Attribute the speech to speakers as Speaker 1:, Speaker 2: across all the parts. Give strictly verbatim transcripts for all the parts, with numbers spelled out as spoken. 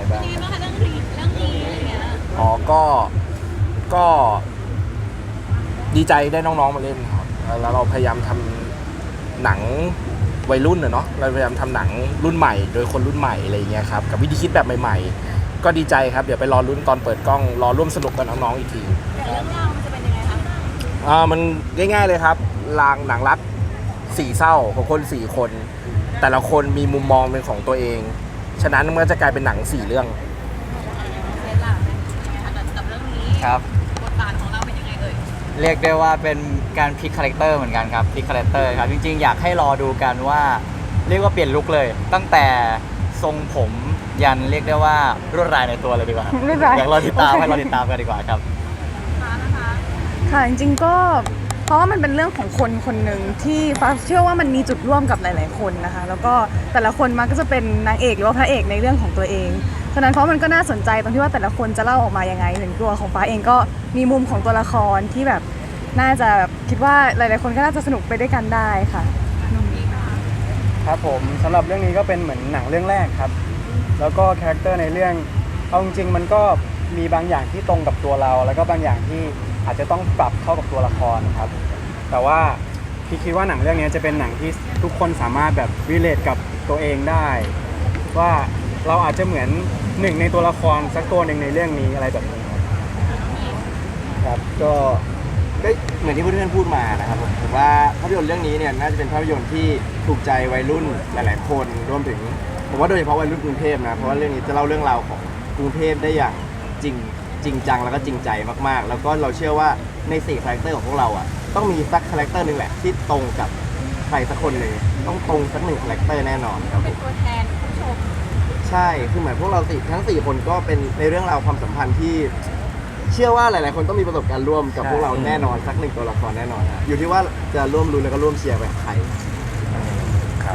Speaker 1: บ้าง
Speaker 2: เป็นยังไงบ้างคะเรื่องนี้เรื่องนี้อะไรเงี้ย
Speaker 1: อ๋อก็ก็ดีใจได้น้องๆมาเล่นครับแล้วเราพยายามทำหนังวัยรุ่นเนาะเราพยายามทำหนังรุ่นใหม่โดยคนรุ่นใหม่อะไรเงี้ยครับกับวิธีคิดแบบใหม่ๆก็ดีใจครับเดี๋ยวไปรอลุ้นตอนเปิดกล้องรอร่วมสนุกกับน้องๆอีกที
Speaker 2: แต่เรื่องราวมันจะเป็นยังไงคะ
Speaker 1: อ่ามันง่ายๆเลยครับลางหนังรักสี่เศร้าของคนสี่คน แต่ละคนมีมุมมองเป็นของตัวเองฉะนั้นมันก็จะกลายเป็นหนังสี่เรื่อง
Speaker 2: เซนล่ะเป็นยังไงคะกับเรื่องนี้
Speaker 3: ครับ
Speaker 2: บทบาทของเราเป็นยังไงเอ่ย
Speaker 3: เรียกได้ว่าเป็นการพลิกคาแรคเตอร์เหมือนกันครับพลิกคาแรคเตอร์ครับจริงๆอยากให้รอดูกันว่าเรียกว่าเปลี่ยนลุคเลย ตั้งแต่ทรงผมยันเรียกได้ว่ารวดลายในตัวเลยดีกว่าอยากรอติดตามให้รอติดตามกันดีกว่าครับ
Speaker 2: นะคะ
Speaker 4: ค่ะจริงๆก็เพราะว่ามันเป็นเรื่องของคนคนหนึ่งที่ฟ้าเชื่อว่ามันมีจุดร่วมกับหลายๆคนนะคะแล้วก็แต่ละคนมันก็จะเป็นนางเอกหรือว่าพระเอกในเรื่องของตัวเองฉะนั้นเพราะมันก็น่าสนใจตรงที่ว่าแต่ละคนจะเล่าออกมายังไงถึงตัวของฟ้าเองก็มีมุมของตัวละครที่แบบน่าจะคิดว่าหลายๆคนก็น่าจะสนุกไปด้วยกันได้ค่ะ
Speaker 5: ครับผมสำหรับเรื่องนี้ก็เป็นเหมือนหนังเรื่องแรกครับแล้วก็คาแรคเตอร์ในเรื่องเอาจริงๆมันก็มีบางอย่างที่ตรงกับตัวเรา แล้วก็บางอย่างที่อาจจะต้องปรับเข้ากับตัวละครครับแต่ว่าพี่คิดว่าหนังเรื่องนี้จะเป็นหนังที่ทุกคนสามารถแบบรีเลทกับตัวเองได้ว่าเราอาจจะเหมือนหนึ่งในตัวละครสักตัวหนึ่งในเรื่องนี้อะไรแบบนี้
Speaker 1: ครับก็ก็เหมือนที่เพื่อนๆพูดมานะครับผมผมว่าภาพยนตร์เรื่องนี้เนี่ยน่าจะเป็นภาพยนตร์ที่ถูกใจวัยรุ่นหลายๆคนรวมถึงผมว่าโดยเฉพาะวัยรุ่นกรุงเทพนะเพราะว่าเรื่องนี้จะเล่าเรื่องราวของกรุงเทพได้อย่างจริงจริงจังแล้วก็จริงใจมากๆแล้วก็เราเชื่อว่าในสี่คาแรคเตอร์ของพวกเราอ่ะต้องมีสักคาแรคเตอร์นึงแหละที่ตรงกับใครสักคนหนึ่งต้องตรงสักหนึ่งคาแรคเตอร์แน่นอนครับ
Speaker 2: เป็นตัวแทนผู้ชม
Speaker 1: ใช่คือเหมือนพวกเราสี่ทั้งสี่คนก็เป็นในเรื่องราวความสัมพันธ์ที่เชื่อว่าหลายๆคนต้องมีประสบการณ์ร่วมกับพวกเราแน่นอนสักหนึ่งตัวละครแน่นอนอยู่ที่ว่าจะร่วมรุ้นแล้วก็ร่วมเชียร์ไปกับใครครับ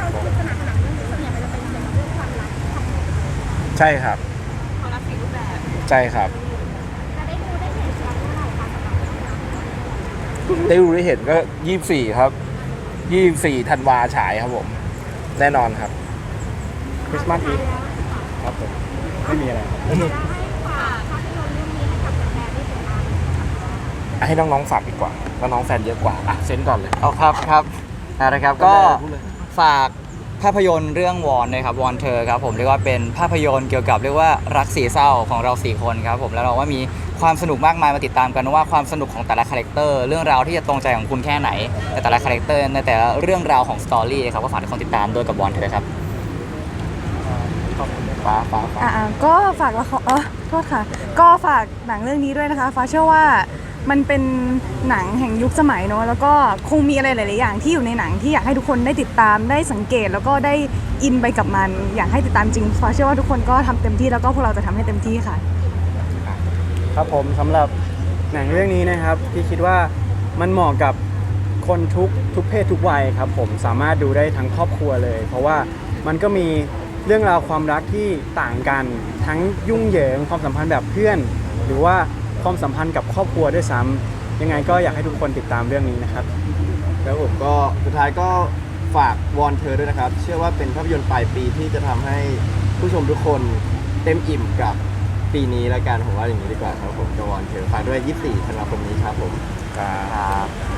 Speaker 1: ใช่ครับ
Speaker 2: ความรักสี่รูปแบบ
Speaker 1: ใช่ครับได้ดูได้เห็นก็ยี่สิบสี่ครับยี่สิบสี่ธันวาฉายครับผมแน่นอนครับ
Speaker 5: คริสต์มาสอีฟครับผมไม่มีอะไร
Speaker 1: ให้น้องๆฝากดีกว่าน้องๆแฟนเยอะกว่าอ่ะเซนก่อนเลย
Speaker 3: เอาครับครับนะครับก็ฝากภาพยนตร์เรื่องวอนนะครับวอนเธอครับผมเรียกว่าเป็นภาพยนตร์เกี่ยวกับเรียกว่ารักสี่เศร้าของเราสี่คนครับผมแล้วเราว่ามีความสนุกมากมายมาติดตามกันว่าความสนุกของแต่ละคาแรคเตอร์เรื่องราวที่จะตรงใจของคุณแค่ไหนในแต่ละคาแรคเตอร์ในแต่ละเรื่องราวของสตอรี่ครับก็ฝากทุกคนติดตามด้วยกับวอนเธอครับ
Speaker 1: ฟ้าฟ้าฟ้า
Speaker 4: อ่าก็ฝากละครเออโทษค่ะก็ฝากหนังเรื่องนี้ด้วยนะคะฟ้าเชื่อว่ามันเป็นหนังแห่งยุคสมัยเนาะแล้วก็คงมีอะไรหลายๆอย่างที่อยู่ในหนังที่อยากให้ทุกคนได้ติดตามได้สังเกตแล้วก็ได้อินไปกับมันอยากให้ติดตามจริงฟ้าเชื่อว่าทุกคนก็ทำเต็มที่แล้วก็พวกเราจะทำให้เต็มที่ค่ะ
Speaker 5: ครับผมสำหรับหนังเรื่องนี้นะครับที่คิดว่ามันเหมาะกับคนทุกทุกเพศทุกวัยครับผมสามารถดูได้ทั้งครอบครัวเลย เพราะว่ามันก็มีเรื่องราวความรักที่ต่างกันทั้งยุ่งเหยิงความสัมพันธ์แบบเพื่อนหรือว่าความสัมพันธ์กับครอบครัวด้วยซ้ำยังไงก็อยากให้ทุกคนติดตามเรื่องนี้นะครับ
Speaker 1: แล้วผมก็สุดท้ายก็ฝากวอนเธอด้วยนะครับเชื่อว่าเป็นภาพยนตร์ปลายปีที่จะทำให้ผู้ชมทุกคนเต็มอิ่มกับปีนี้แล้วกันผมว่าอย่างนี้ดีกว่าครับผมกับวอนเธอฝากด้วยยี่สิบสี่ธันวาคมนี้ครับผมครับ